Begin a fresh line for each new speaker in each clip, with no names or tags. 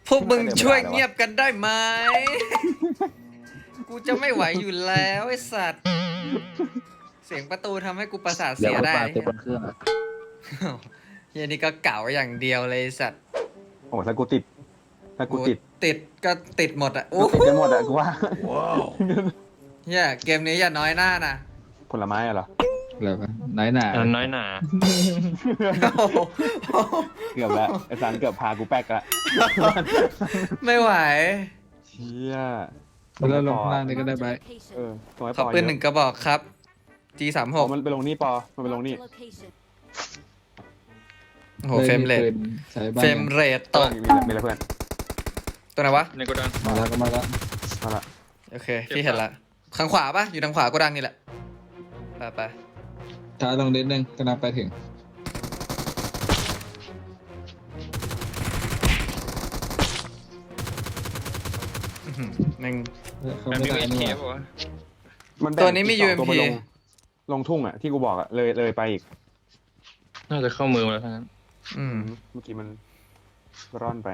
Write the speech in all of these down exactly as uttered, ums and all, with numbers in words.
พวกมึงช่วยเงียบกันได้ไหม กูจะไม่ไหวอยู่แล้วไอ้สัตว์ เสียงประตูทำให้กูประสาท
เดี๋ย
เสี
วย
ได้
ปลาเต็มบนเครื่องอะ
เฮียนี่ก็เก่าอย่างเดียวเลยไอ้สัตว์
โอ้ถ้ากูติดถ้ากูติด
ติดก็ติดหมดอ่ะโอ้
ติดกันหมดอะกูว่า
เฮียเกมนี้อย่าน้อยหน้านะ
ผลไม้อะเหรอ
แล้วก็น้อยหนา
อันน้อยหนา
เกือบแล้วไอ้สารเกือบพากูแป๊กละ
ไม่ไหว
เชี่ย
แล้วลงข้างล่างนี่ก็ได้ไป
เออตรงไอ้
ข
ป
อ
อ
ปืนหนึ่งกระบอกครับ จี สาม
เย
ห
อะ
ก
อ๋อมันไปลงนี่ปอมันไปลงนี่
โอ้โหเฟรมเรท
ใช้บ้าน
เฟรมเรทตก
มีมีอะไรเพื่อน
ตัวไหนวะ
ในโกดัง
มาแล้วก็มาแล้ว
มาละ
โอเค พี่เห็นละข้างขวาปะอยู่ทางขวาก็ดังนี่แหละ ไปไป
ช้าลงนิดนึงกำลังไปถึง
อื้อหือแม่ง
เขา
แบบ
ไม่
มี
ได้
เอ
นี่
เค
ห
ป่ะ
ว่าว
ะ
มันแบ่
ตัวนี้มี
อีกสอง
ยู เอ็มพี
ไปลงลงทุ่งอะที่กูบอกอะเลยเลยไปอีก
น่าจะเข้ามือมาแล้วทั้งนั้น
อืม
เมื่อกี้มันร่อนไป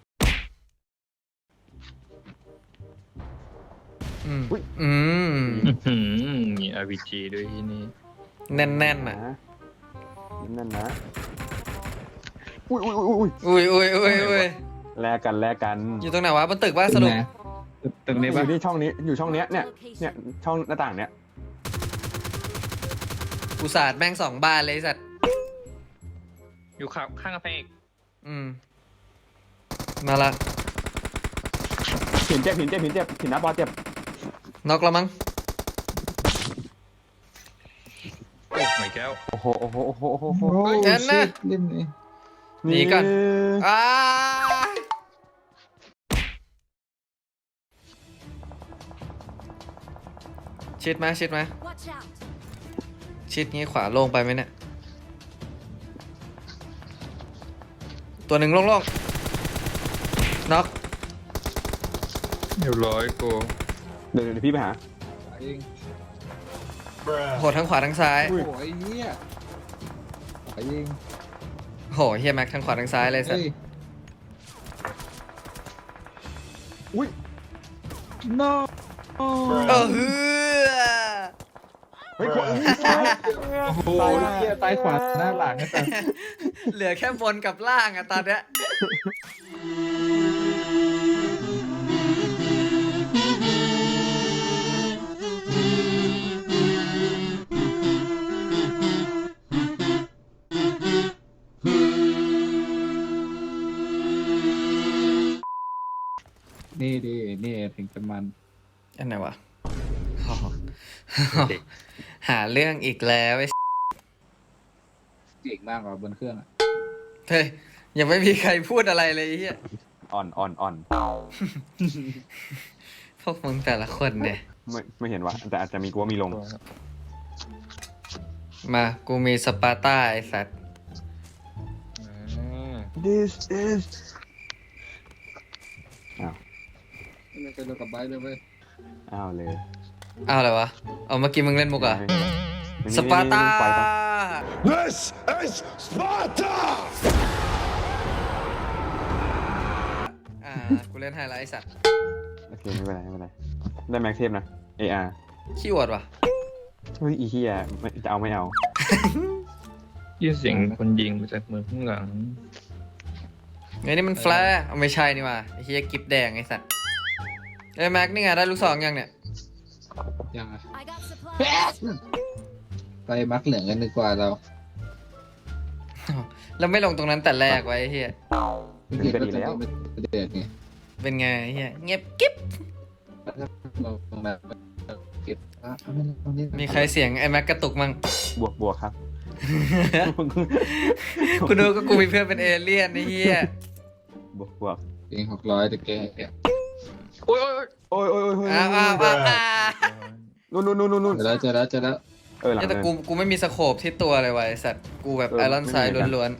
อืม
อุ๊ย
อืม
อื้อหือมี อาร์ พี จี ด้วยที่นี่
แน่นแน่นๆอ่ะ
นะนั่นนะอุ้ยอุ้ยอุ้ยอุ้ย
อุ้ยอุ้ยอุ้ยอุ้ย
แลกกันแลกกัน
อยู่ตรงไหนวะบนตึกว่าสรุป
นะตรง
อ
นี้ปะ
ยู่ที่ช่องนี้อยู่ช่องเนี้ยเนี่ยเนี่ยช่องหน้าต่างเนี้ย
อุตส่าห์แม่งสองบานเลยไอ้สัตว์
อยู่ข้างข้างกำแพงอีก
อืม มาละ
หินเจ็บหินเจ็บหินเจ็บหินนะบอลเจ็บ
น็อกแล้วมั้ง
โอ้ไม่แก้ว
โอ้โหโอ้โหโอ้โหโอ้โหโอ้โห
โอ้ย
เอ็นนะ
ชิดเล่นนี่
หนีก่อน อ้าชิดไหมชิดไหมชิดงี้ขวาโล่งไปไหมเนี่ย ตัวหนึ่งโล่งๆน็อก
เรียบร้อยกู
เดี๋ยวเดี๋ยวพี่ไปหา
เอง
โหทั้งขวาทั้งซ้าย
โอ้ยเนี่ยขอยิง
โหเฮียแม็กทั้งขวาทั้งซ้ายเลยสัต
เฮ้
ว์
ย
อุ้ย
no
เออฮือ
เฮ้ยขวาอุ้ยซ้าย
โอ้โหเหี้ยใต้ขวาหน้าหลังนะแต่
เหลือแค่บนกับล่างอะตอนเนี้ย
นี่ดินี่ถึงจะมัน
อันไหนวะอ๋อหาเรื่องอีกแล้วไอ้
เก่งมากกว่าบนเครื่องอะ
เฮ้ยยังไม่มีใครพูดอะไรเลยไอ้เฮีย
อ่อนอ่อนอ่อน
พวกมึงแต่ละคนเนี่ย
ไม่ไม่เห็นว่ะแต่อาจจะมีกูว่ามีลง
มากูมีสปาร์ต้าไอ้สัตว์
อ่า
This is อ้าว
ไม่เคยเล่นกับไบค์เลยเว้ย
อ้าวเลย
อ้าวอะไรวะ เอาเมื่อกี้มึงเล่นมุกเหรอ่ะ
ไม่เป็นไร
สปาร์ต้า
ปล่อยไป
This is Sparta!
อ่ากูเล่นไฮไลท์ไอ้สัตว์
โอเคไม่เป็นไรไม่เป็นไรได้แม็กเทปนะ เอ อาร์
ขี้อวดว่ะ
เฮ้ยอีเฮียไม่จะเอาไม่เอา
ยินเสียงคนยิงมาจากมือข้างหลัง
ไอ้นี่มันแฟร์เอาไม่ใช่นี่ว่ะไอ้เฮียกิฟแดงไอ้สัตว์ไอ้ยแม็กนี่ไงได้ลูกซองยังเนี่ย
ยังไงไปมักเหลืองกันดีกว่าเรา
แล้วไม่ลงตรงนั้นแต่แรกไว้ไอ้เฮีย
เดี๋ยวก็ดีแล้ว
เด็ดไง
เป็นไงไอ้เฮียเงียบกิ๊บ
เราลงแบบเก็บอ่ะเอาไม่ตรงนี้
มีใครเสียงไอ้แม็กกระตุกมั้ง
บวกบวกครับ
กูดูก็กูมีเพื่อนเป็นเอเลี่ยนไอ้เฮีย
บวกบวก
เองหกร้อยแต่แกเนี่ย
โอ้ยโอ้ย
โอ้ยโอ้ยโอ้ยโอ้ย
อ้าวอ้าวอ้าวอ้าว
นู่นนู่นนู่นนู่น
เจอแล้วเจอแล้วเจอแล้ว
เออหลัง
เนี่ยแต่
เลย
กูกูไม่มีสโคปที่ตัวเลยว่ะไอ้สัตว์กูแบบ
เออ
ไอรอนไซด์
ไม่มีเหมือนกัน
ล้วน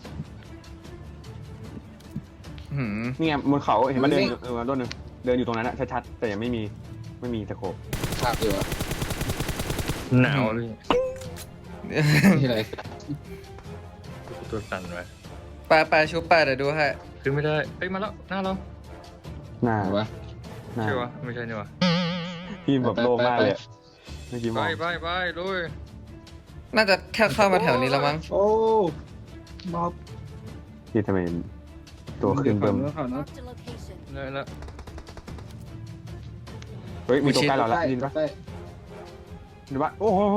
ๆหืม
นี่ไงบนเขาเห็นมันเดินอยู่เออต้นหนึ่งเดินอยู่ตรงนั้นอะชัดๆแต่ยังไม่มีไม่มีตะโขบ
ภาพอยู่อ่ะ
หนาวเลย
ที่ไร
ตัวสั่นไว้
ไปไปชุบไปเดี๋ยวดูให้
ขึ้นไม่ได้เฮ้ยมาแล้วหน้าเรา
หน้า
ไหนวะ
หน้า
ใช่ปะไม่ใช่นี่วะ
พี่แบบโล่งมากเลยอะเมื่อกี้ม
ไป
อง
ไปไปลุย
น่าจะแค่เข้ามาแถวนี้แล้วมั้ง
โอ้บอบ
พี่ทำไมตัวขึ้นเบิ่ม
ดี๋ยวก่อนนะ
Marked a location.
เลยละ
เฮ้ยมีตัวใกล้เราแล้ว
ใกล้
ยินปะ
ใกล้
ยินปะโอ้โห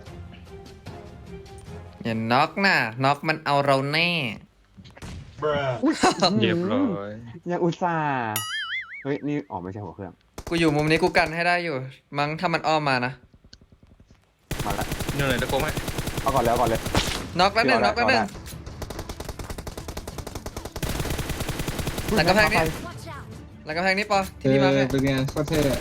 อย่าน็อกนะน็อกมันเอาเราแน่
Bruh.
เรียบร้อย
ยังอุตส่าห์เฮ้ยนี่อ๋อไม่ใช่หัวเครื่อง
กูอยู่มุมนี้กูกันให้ได้อยู่ มั้งถ้ามันอ้อมมานะ
มาละ
นี่เลยตะโกนให้
เอาก่อนแล้วก่อนเลย
น็อกแล้วหนึ่งน็อกแล้วหนึ่ง
เอาได้
หลังกำแพงนี้
Watch out.
หลังกำแพงนี้ปอ
เอ
ที่พี่มา
อ
ให้
เป็นไงโคตรเท่อะ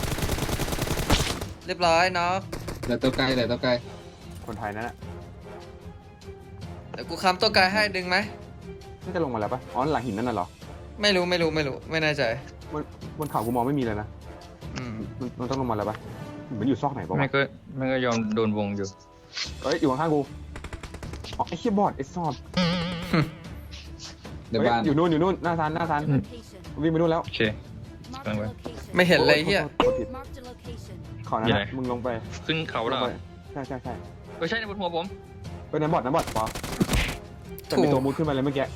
เรียบร้อยน็อก
เหลือตัวไกลเหลือตัวไกล
คนไทยนั่นแหละ
เดี๋ยวกูค้ำตัวกายให้ดึงไหม
น่าจะลงมาแล้วปะอ๋อหลังหินนั่นน่ะเหรอ
ไม่รู้ไม่รู้ไม่รู้ไม่แน่ใจ
บนบนเขากูมองไม่มีเลยนะ
อืม
มันมันต้องลงมาแล้วปะเหมือนอยู่ซอกไหนปะ
ไม่
วะ
ก็ไม่ก็ยอมโดนวงอยู่
เอ้ยอยู่ข้างๆกูอ๋อไอ้เชี่ยบอดไอ้ซอด
เดี๋ยว
เฮ้ย
บ้าน
อยู่นู่นอยู่นู่นหน้าซานหน้าซาน
Location.
วิ่งไปนู่นแล้ว
โอเค
Marked a
Bang, bang.
location.
ไม่เห็นเลยเฮีย
โทษผิด
Marked a location.
ขอนั้น
อยู่ไหน
นะมึงลงไป
ขึ้นเขา
ล
แล้
ง
ว
ไปใช่ใช่ใช่
ไม่ใช่ในบนหัวผม
เฮ้ยน้ำบอดน้ำบอดปอแต่มีตัวมุดขึ้นมาเลยเมื่อกี้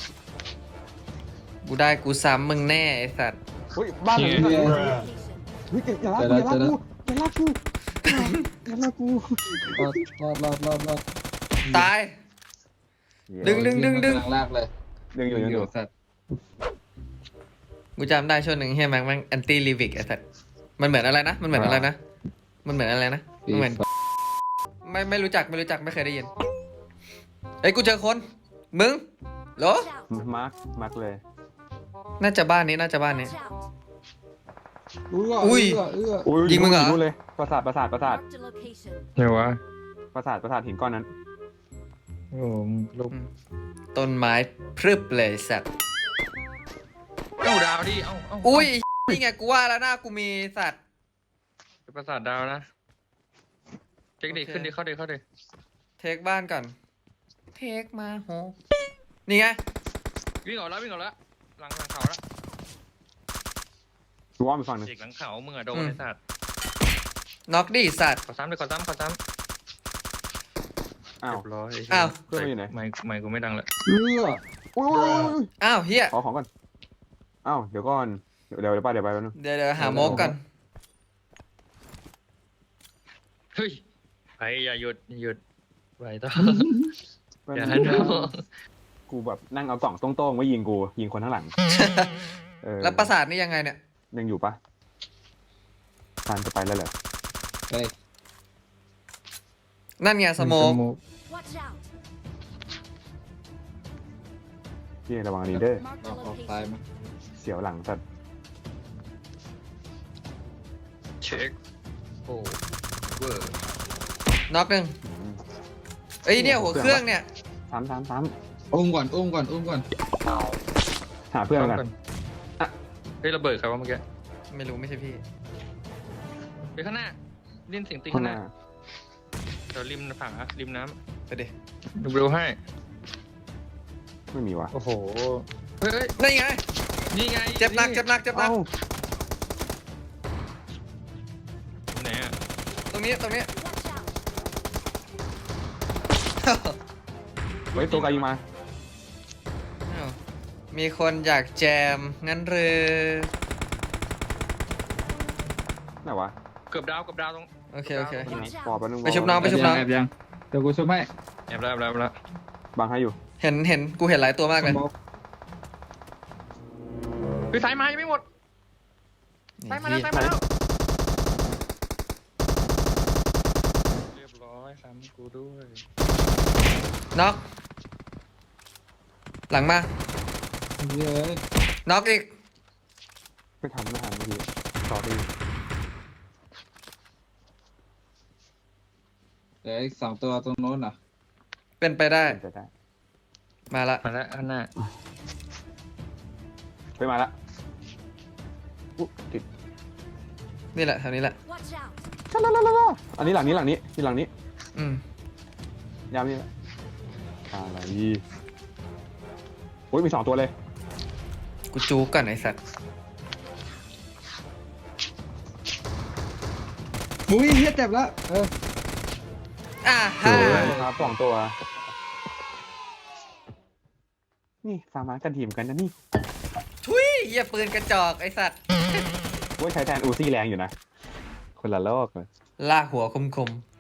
กูได้กูซ้ำมึงแน่ไอ้สัตว์
เฮ้ยบ้านหลังนี้
เย้
เ
Bruh.
ฮ้ยอย่าลากกูอย่าลากกูอย่าลากกูอย่าลากกู
รอดรอดรอดรอดรอด
ตาย ดึงดึงดึงดึง
กำลัลากเลย
ดึงอยู่ดึงอยู่
สัตว์
กูจำได้ช่วงหนึ่งเฮียแม็กแม่งแอนตี้ลิวิกไอ้สัตว์มันเหมือนอะไรนะมันเหมือนอะไรนะมันเหมือนอะไรนะมันเหมือนไม่ไม่รู้จักไม่รู้จักไม่เคยได้ยินเอ้ยกูเจอคนมึงเหรอ
Watch out.
มาร์คมาร์คเลย
น่าจะบ้านนี้น่าจะบ้านนี้
Watch out.
อุ้ย
อุ้ย
เอื้อ
อุ้ย
ยิงมึงเหรอ
นู่นเลยปราสาทปราสาทปราสาท
Marked a location.
ไหนวะ
ปราสาทปราสาทหินก้อนนั้น
โอ้โหลูก
ต้นไม้พรึบเลยสัตว์
เอ้าดาวดิเอ้าเอ้า
อุ้ยนี่ไงกูว่าแล้วหน้ากูมีสัตว์
เป็นประสาทดาวนะเช็คดิ
โอเค
ขึ้นดิเข้าดิเข้าดิ
เทคบ้านก่อนเทคมาโหนี่ไง
วิ่งออกแล้ววิ่งออกแล้วหลังหลังเขาแล้ว
ดูว่ามีฝั่งหนึง
เด็กหลังเขามึงอะโดนไอ้สัตว์
น็อกดิสัตว์
ขอซ้ำเลยขอซ้ำขอซ้ำ
อ้าว
เรียบร้อย
อ้าว
เพื่อนมันอยู่ไหน
ไม่ไม่กูไม่ดังละ
เอื้อ
อุ้ยอุ้ยอุ้ยอุ้ย
อ้าวเฮีย
ขอของก่อนอ้าวเดี๋ยวก่อนเดี๋ยวเดี๋ยวเดี๋ยวไปเดี๋ยวไปแป๊บนึง
เดี๋ยวเดี๋ยวหาโมกก่อน
เฮ้ยไปอย่าหยุดอย่าหยุดไปต่อ
แป๊บ
อย่า
นึ
ให้
ง
ดู
กูแบบนั่งเอากล่องโต้งๆไว้ยิงกูยิงคนข้างหลังเออ
แล้วประสาทนี่ยังไงเนี่ย
ยังอยู่ปะซานจะไปแล้วเหรอ
เฮ้ย
นั่นไงสโมก
Watch out.
พี่ระวังอันนี้เด้อ
Marked
อ
a
อกออกซ้าย
location.
มา
เสียวหลังสัตว์
เช็คโอ้เวอร์
น็อกหนึ่ง
อืม
เอ้ยเนี่ยหัวเครื่องเนี่ย
สามสามสาม
อุ้มก่อนอุ้มก่อนอุ้มก่อน
หาเพื่อนกัน อ่ะ
เฮ้ยระเบิดใครวะเมื่อกี้
ไม่รู้ไม่ใช่พี่
ไปข้างหน้าดินเสียงตี
ข้า
ข้าง ง
ห
ห
น้า
น้าเดี๋ยวริมผาริมน้
ไปดิ
ำดูเร็วให้
ไม่มีวะ
โอ้โหเฮ้ยเฮ้ย
นี่ไง
นี่ไง
เจ็บหนักเจ็บหนักเจ็บหนัก
เอ้า
ไหนอะ
ตรงนี้ตรงนี้
Watch out.
เฮ้ยตัวไกลยิงมา
อ้าวมีคนอยากแจมงั้นหรือ
ไหนวะ
เกือบดาวเกือบดาวตรง
โอเคโอเค
Watch
ปอ
out.
แป๊บนึง
ไปชุบน้องไปชุบน้อง
แอบยังเดี๋ยวกูชุบให้
แอบแล้วแอบแล้วแอบแล้ว
บังให้อยู่
เห็นเห็นกูเห็นหลายตัวมากเลย
สโมก
คือสายมายังไม่หมดสายมาแล้วสายมาแล้วเรียบร้อยซ้ำกูด้วย
น็อกหลังมา
เย้ย
น็อกอีก
ไม่ทันไม่ทันเมื่อกี้ต่อดี
เดี๋ยวอีกสองตัวตรงโน้นอ่ะ
เป็นไปได้
จะได้
มาละ
มาแล้วข้างหน้า
ไปมาละอุ๊ยติด
นี่แหละแถวนี้แหละ
Watch out.
อันนี้หลังนี้หลังนี้ที่หลังนี้
อืม
ยามนี้ละอะไรโอ้ยมีสองตัวเลย
กูจูก่อนไอ้สัตว์
อุ้ยเฮียเจ็บแล้วเออ
อ่า
ส
ฮะ
วยครับสองตัว นี่ฟาร์มากันทีมกันนะนี่
ทุยเหี้ยปืนกระจอกไอสัตว์
ว่าใช้แทนอูซี่แรงอยู่นะ คนละโลกเลย
ลากหัวคมๆ